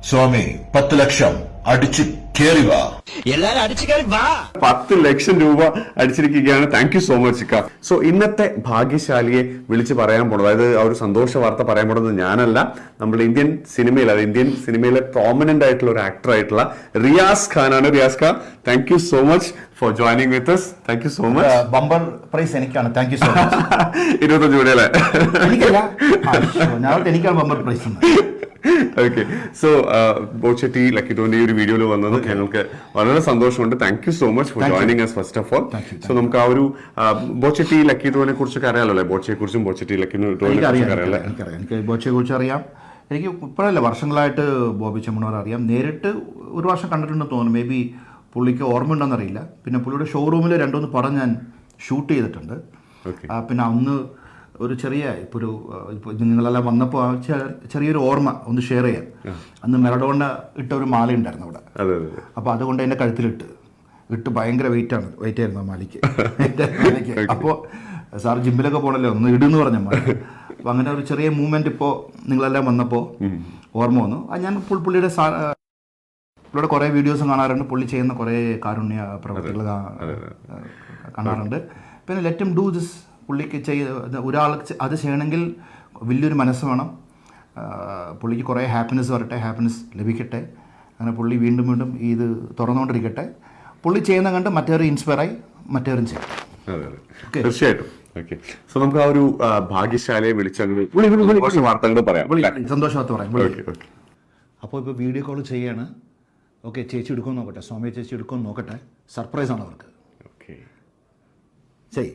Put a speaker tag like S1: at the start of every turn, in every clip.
S1: സ്വാമി 10 ലക്ഷം അടിച്ചു കേറി വാ.
S2: എല്ലാരും അടിച്ചു കയറി വാ.
S3: 10 ലക്ഷം രൂപ അടിച്ചിരിക്കുകയാണ്. താങ്ക് യു സോ മച്ച് ഇക്ക. സോ ഇന്നത്തെ ഭാഗ്യശാലിയെ വിളിച്ച് പറയാൻ പോണത്, അതായത് ആ ഒരു സന്തോഷ വാർത്ത പറയാൻ പോണത് ഞാനല്ല, നമ്മുടെ ഇന്ത്യൻ സിനിമയിലെ പ്രോമിനന്റ് ആയിട്ടുള്ള ഒരു ആക്ടർ ആയിട്ടുള്ള റിയാസ് ഖാനാണ്. Riyas Khan, thank you so much for joining with us. Thank you so much.
S4: Bumper prize എനിക്കാണ്. Thank you so much.
S3: 25 കോടിയല്ലേ?
S4: എനിക്കല്ല, എനിക്കാണ് ബമ്പർ പ്രൈസ്.
S3: ഓക്കെ. സോ ബോച്ചെട്ടി ലക്കി ഡ്രോന്റെ ഈ ഒരു വീഡിയോയിൽ വന്നത് ഞങ്ങൾക്ക് വളരെ സന്തോഷമുണ്ട്. Thank you so much for joining us first of all. So നമുക്ക് ആ ഒരു ബോച്ചെട്ടി ലക്കി ഡ്രോനെ കുറിച്ചൊക്കെ അറിയാലോ, ബോച്ചയെ കുറിച്ചും ബോച്ചെട്ടി ലക്കി ഡ്രോനെ കുറിച്ചൊക്കെ അറിയാലോ.
S4: എനിക്ക് ബോച്ചയെ കുറിച്ച് അറിയാം. എനിക്ക് ഇപ്പോഴല്ല, വർഷങ്ങളായിട്ട് ബോബി ചെമ്മണ്ണൂർ അറിയാം. നേരിട്ട് ഒരു വർഷം കണ്ടിട്ടുണ്ടെന്ന് തോന്നുന്നു. മേ ബി പുള്ളിക്ക് ഓർമ്മയുണ്ടെന്നറിയില്ല. പിന്നെ പുള്ളിയുടെ ഷോറൂമിൽ 2-3 പടം ഞാൻ ഷൂട്ട് ചെയ്തിട്ടുണ്ട്. പിന്നെ അന്ന് ഒരു ചെറിയ ഇപ്പോൾ നിങ്ങളെല്ലാം വന്നപ്പോൾ ചെറിയൊരു ഓർമ്മ ഒന്ന് ഷെയർ ചെയ്യാം. അന്ന് മെറഡോണ ഇട്ട ഒരു മാല ഉണ്ടായിരുന്നു അവിടെ. അപ്പോൾ അതുകൊണ്ട് എൻ്റെ കഴുത്തിലിട്ട് ഭയങ്കര വെയിറ്റ് ആയിരുന്നു ആ മാലയ്ക്ക്. അപ്പോൾ സാർ ജിമ്മിലൊക്കെ പോകണല്ലോ, ഒന്ന് ഇടുന്ന് പറഞ്ഞ മാല. അപ്പോൾ അങ്ങനെ ഒരു ചെറിയ മൂവ്മെൻറ്റ് ഇപ്പോൾ നിങ്ങളെല്ലാം വന്നപ്പോൾ ഓർമ്മ വന്നു. ഞാൻ പുള്ളിയുടെ കുറേ വീഡിയോസും കാണാറുണ്ട്. പുള്ളി ചെയ്യുന്ന കുറേ കാരുണ്യ പ്രവർത്തികൾ കാണാറുണ്ട്. പിന്നെ ലെറ്റ് ഹിം ഡു ദിസ്. പുള്ളിക്ക് ഒരാൾക്ക് അത് ചെയ്യണമെങ്കിൽ വലിയൊരു മനസ്സ് വേണം. പുള്ളിക്ക് കുറേ ഹാപ്പിനെസ് വരട്ടെ, ഹാപ്പിനെസ് ലഭിക്കട്ടെ. അങ്ങനെ പുള്ളി വീണ്ടും വീണ്ടും ഇത് തുറന്നുകൊണ്ടിരിക്കട്ടെ. പുള്ളി ചെയ്യുന്ന കണ്ട് മറ്റേവരും ഇൻസ്പയറായി മറ്റേവരും ചെയ്യും.
S3: തീർച്ചയായിട്ടും. ഓക്കെ. സോ നമുക്ക് ആ ഒരു ഭാഗ്യശാലയെ വിളിച്ചങ്ങൾ വാർത്തകൾ പറയാം,
S4: സന്തോഷവാർത്ത പറയാം. അപ്പോൾ ഇപ്പോൾ വീഡിയോ കോൾ ചെയ്യാണ്. ഓക്കെ, ചേച്ചി എടുക്കുമെന്ന് നോക്കട്ടെ, സ്വാമി ചേച്ചി എടുക്കുമെന്ന് നോക്കട്ടെ. സർപ്രൈസാണ് അവർക്ക്.
S3: ഓക്കെ,
S4: ശരി.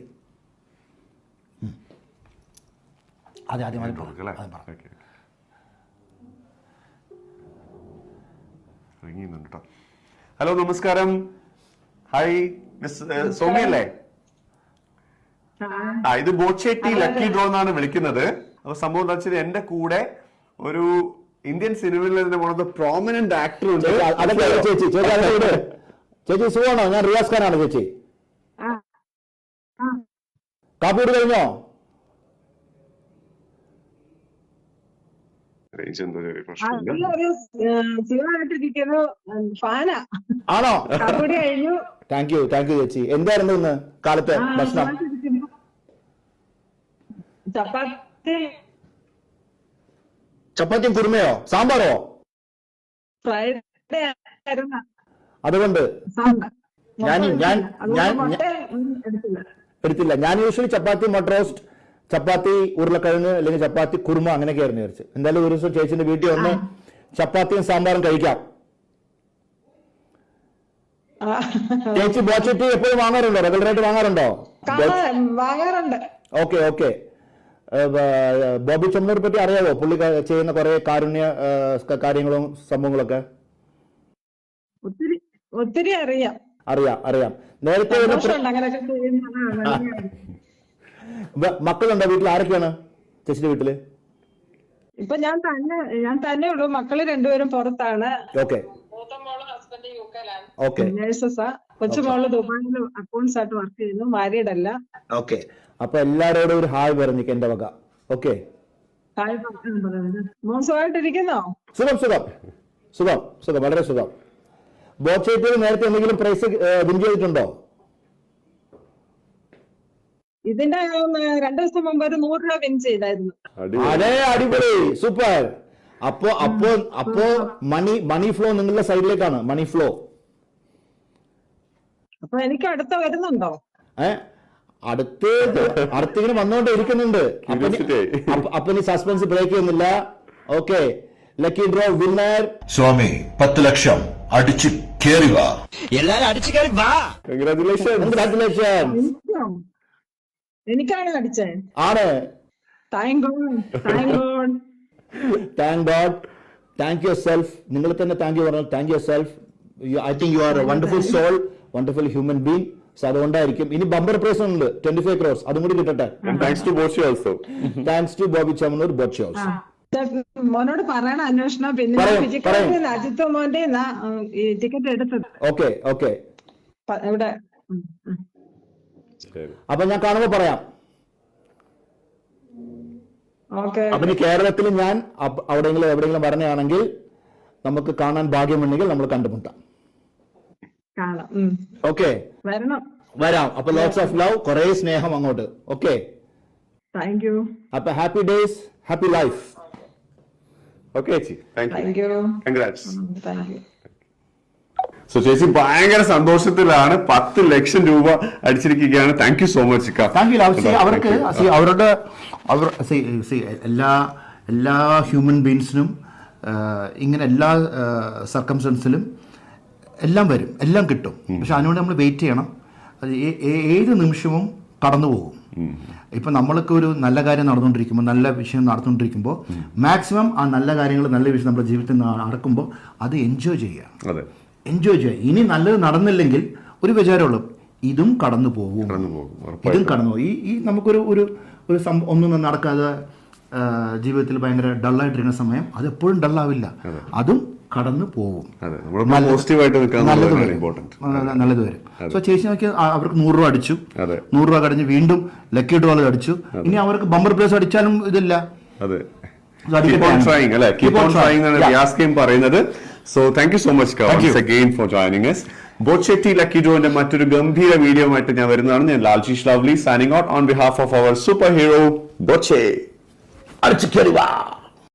S4: അതെ, ആദ്യമായി
S3: ഹലോ, നമസ്കാരം. ഹായ്, സൗമ്യ അല്ലേ? ഇത് ബോച്ചെട്ടി ലക്കി ഡ്രോ എന്നാണ് വിളിക്കുന്നത്. അപ്പൊ സംഭവം എന്താ വെച്ചാൽ എന്റെ കൂടെ ഒരു ഇന്ത്യൻ സിനിമയിൽ തന്നെ പ്രോമിനന്റ് ആക്ടർ ഉണ്ട്.
S4: ചേച്ചി സുഖമാണോ? ഞാൻ റിയാസ് ഖാനാണ്. ചേച്ചി കാപ്പൂട് കഴിഞ്ഞോ? ആണോ? താങ്ക് യു ചേച്ചി. എന്തായിരുന്നു ഇന്ന് കാലത്തെ ഭക്ഷണം? ചപ്പാത്തിയും കുറുമയോ സാമ്പാറോ? അതുകൊണ്ട് എടുത്തില്ല. ഞാൻ യൂഷ്വലി ചപ്പാത്തി മട്ട റോസ്റ്റ്, ചപ്പാത്തി ഉരുളക്കിഴങ്ങ്, അല്ലെങ്കിൽ ചപ്പാത്തി കുറുമ, അങ്ങനെയൊക്കെ ആയിരുന്നു വിചാരിച്ചു. എന്തായാലും ഒരു ദിവസം ചേച്ചിന്റെ വീട്ടിൽ വന്ന് ചപ്പാത്തിയും സാമ്പാറും കഴിക്കാം. ചേച്ചി ബോച്ചെട്ടി എപ്പോഴും വാങ്ങാറുണ്ടോ? റെഗുലറായിട്ട് വാങ്ങാറുണ്ടോ? ഓക്കെ. ബോബി ചെമ്മണ്ണൂരെ പറ്റി അറിയാവോ? പുള്ളി ചെയ്യുന്ന കുറെ കാരുണ്യ കാര്യങ്ങളും സംഭവങ്ങളൊക്കെ
S5: ഒത്തിരി
S4: അറിയാം. നേരത്തെ മക്കളുണ്ടോ വീട്ടിൽ? ആരൊക്കെയാണ് ചേച്ചിയുടെ വീട്ടില്?
S5: ഇപ്പൊ ഞാൻ തന്നെ ഉള്ളൂ. മക്കള് 2 പുറത്താണ്.
S4: ഓക്കെ.
S5: നേഴ്സസാ. കൊച്ചുമോള് ദുബായിൽ അക്കൗണ്ട്സ് ആയിട്ട് വർക്ക് ചെയ്യുന്നു. മാരീഡ് അല്ല.
S4: ഓക്കെ. അപ്പൊ എല്ലാരോടും ഒരു ഹായ് പറഞ്ഞിക്ക് എന്റെ വക. ഓക്കെ.
S5: മോശമായിട്ടിരിക്കുന്നോ?
S4: സുഖം, വളരെ സുഖം. ബോച്ചെട്ടിയിൽ നേരത്തെ എന്തെങ്കിലും പ്രൈസ് വിൻ ചെയ്തിട്ടുണ്ടോ?
S5: ഇതിന്റെ 2 ദിവസം മുമ്പ് ഒരു 100 രൂപ വിൻ ചെയ്തായിരുന്നു.
S4: അതെ, അടിപൊളി, സൂപ്പർ. അപ്പോ മണി ഫ്ലോ നിങ്ങളുടെ സൈഡിലേക്കാണ്. മണി ഫ്ലോ.
S5: അപ്പൊ എനിക്ക് അടുത്ത വരുന്നുണ്ടോ?
S4: അടുത്തിങ്ങനെ വന്നോണ്ട് ഇരിക്കുന്നുണ്ട്. അപ്പൊ ഇനി സസ്പെൻസ് ബ്രേക്ക് ചെയ്യുന്നില്ല. Okay, lucky draw winner
S1: Swami 10 lakh അടിച്ചു കേറി വാ.
S2: എല്ലാരും അടിച്ചു കയറി വാ.
S4: കൺഗ്രാറ്റുലേഷൻ.
S5: എനിക്കാണ് അടിച്ചേ?
S4: ആണ്.
S5: Thank God.
S4: Thank yourself. നിങ്ങൾ തന്നെ താങ്ക് യു പറഞ്ഞു. Thank yourself. I think you are a wonderful soul, wonderful human being. So അതുകൊണ്ടായിരിക്കും. ഇനി ബമ്പർ പ്രൈസ് ഉണ്ട് 25 crores. അതും കൂടി കിട്ടട്ടെ.
S3: Thanks to Bochi also.
S4: Thanks to Boby Chemmanur, Bochi also.
S5: മോനോട് പറയണ അന്വേഷണം. പിന്നെ അജിത്ത് മോന്റെ ടിക്കറ്റ് എടുത്തത്.
S4: ഓക്കെ.
S5: ഇവിടെ
S4: അപ്പൊ ഞാൻ കാണുമ്പോ പറയാം. അപ്പൊ ഇനി കേരളത്തിൽ ഞാൻ എവിടെയെങ്കിലും പറഞ്ഞാണെങ്കിൽ നമുക്ക് കാണാൻ ഭാഗ്യമുണ്ടെങ്കിൽ നമ്മൾ കണ്ടുമുട്ടാം.
S5: കാണാം.
S4: ഓക്കെ,
S5: വരണം.
S4: വരാം. അപ്പൊ ലോട്ട്സ് ഓഫ് ലവ്, കുറെ സ്നേഹം അങ്ങോട്ട്. Okay,
S5: thank you.
S4: അപ്പൊ happy days, happy life.
S3: Okay ചേച്ചി, thank
S5: thank
S3: you,
S5: you.
S3: Congrats.
S5: Thank you.
S3: So ചേച്ചി ഭയങ്കര സന്തോഷത്തിലാണ്. 10 ലക്ഷം രൂപ അടിച്ചിരിക്കുകയാണ്. താങ്ക് യു സോ മച്ച് ചിക്ക.
S4: Thank you. അവർക്ക് എല്ലാ ഹ്യൂമൻ ബീങ്സിനും ഇങ്ങനെ എല്ലാ സർക്കംസ്റ്റൻസിലും എല്ലാം വരും, എല്ലാം കിട്ടും. പക്ഷെ അതിനുവേണ്ടി നമ്മൾ വെയിറ്റ് ചെയ്യണം. അത് ഏത് നിമിഷവും കടന്നു പോകും. ഇപ്പം നമ്മൾക്ക് ഒരു നല്ല കാര്യം നടന്നുകൊണ്ടിരിക്കുമ്പോൾ, നല്ല വിഷയം നടന്നുകൊണ്ടിരിക്കുമ്പോൾ മാക്സിമം ആ നല്ല കാര്യങ്ങൾ, നല്ല വിഷയം നമ്മുടെ ജീവിതത്തിൽ നടക്കുമ്പോൾ അത് എൻജോയ് ചെയ്യുക. എൻജോയ് ചെയ്യുക. ഇനി നല്ലത് നടന്നില്ലെങ്കിൽ ഒരു വിചാരമുള്ളൂ, ഇതും കടന്നു പോകും, ഇതും കടന്നു പോകും. ഈ നമുക്കൊരു ഒരു ഒന്നും നടക്കാതെ ജീവിതത്തിൽ ഭയങ്കര ഡള്ളായിട്ടിരിക്കുന്ന സമയം അതെപ്പോഴും ഡള്ളാവില്ല, അതും കടന്നു പോകും. നല്ലത് വരും. സോ ചേച്ചി നോക്കി അവർക്ക് 100 രൂപ അടിച്ചു, 100 രൂപ കടിഞ്ഞ് വീണ്ടും ലക്കി ഡ്രോൾ അടിച്ചു. ഇനി അവർക്ക് ബമ്പർ പ്ലേസ് അടിച്ചാലും ഇതില്ല.
S3: So thank you so much once again for joining us. ബോച്ചെട്ടി ലക്കി ഡ്രോന്റെ മറ്റൊരു ഗംഭീര വീഡിയോ ആയിട്ട് ഞാൻ വരുന്നതാണ്. ഞാൻ Laljeesh Lovely signing out on behalf of our superhero Boche.
S4: അടിച്ചു കേറി വാ.